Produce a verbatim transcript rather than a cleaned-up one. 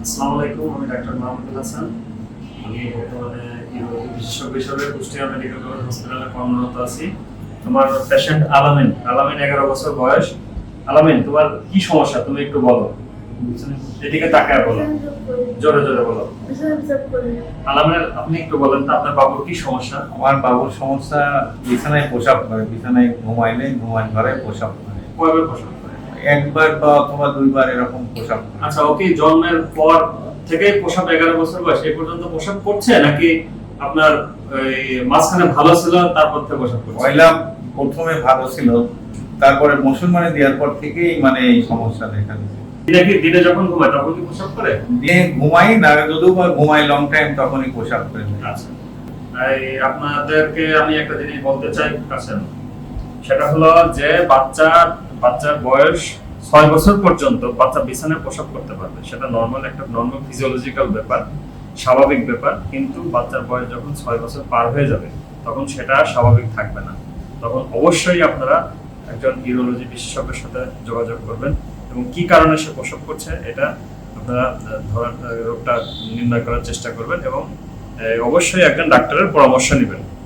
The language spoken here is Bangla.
আসসালামু আলাইকুম, আমি ডাক্তার মাহমুদুল হাসান। আমি বর্তমানে ইউরোলজি বিশেষজ্ঞ হিসেবে কুষ্টিয়া মেডিকেল কলেজ হসপিটালে কর্মরত আছি। আমার পেশেন্ট আলামিন আলামিন এগারো বছর বয়স। আলামিন, তোমার কি সমস্যা তুমি একটু বলো। এদিকে তাকায় বলো, জোরে জোরে বলো। আলামিন, আপনি একটু বলেন তো আপনার বাবুর কি সমস্যা? আমার বাবুর সমস্যা বিছানায় প্রসাব করে, বিছানায় ঘুমাইলে ঘুমান ঘরে প্রসাব করে। কয়বার প্রসব করে? একবার বা অথবা দুইবার এরকম প্রসাব করে। আচ্ছা, ওকে জন্মের পর থেকে প্রসব এগারো বছর বয়স এই পর্যন্ত প্রসব করছে, নাকি আপনার এই মাঝখানে ভালো ছিল তারপর থেকে প্রসব করছে? পয়লা প্রথমে ভালো ছিল, তারপরে মুসলমানে দেওয়ার পর থেকেই মানে এই সমস্যা দেখা দিচ্ছে। দিনে কি দিনে যখন ঘুমায় তখন কি প্রসব করে? দিয়ে ঘুমাই না, যদিও বা ঘুমাই লং টাইম তখনই প্রসাব করে। আচ্ছা, এই আপনাদেরকে আমি একটা জিনিস বলতে চাই কাছেন, সেটা হলো যে বাচ্চা বাচ্চার বয়স ছয় বছর পর্যন্ত বাচ্চা বিছানায় প্রসব করতে পারবে, সেটা নর্মাল একটা নর্মাল ফিজিওলজিক্যাল ব্যাপার, স্বাভাবিক ব্যাপার। কিন্তু বাচ্চার বয়স যখন ছয় বছর পার হয়ে যাবে তখন সেটা স্বাভাবিক থাকবে না। তখন অবশ্যই আপনারা একজন ইউরোলজি বিশেষজ্ঞের সাথে যোগাযোগ করবেন এবং কি কারণে সে প্রসব করছে এটা আপনারা ধরার রোগটা নির্ণয় করার চেষ্টা করবেন এবং অবশ্যই একজন ডাক্তারের পরামর্শ নেবেন।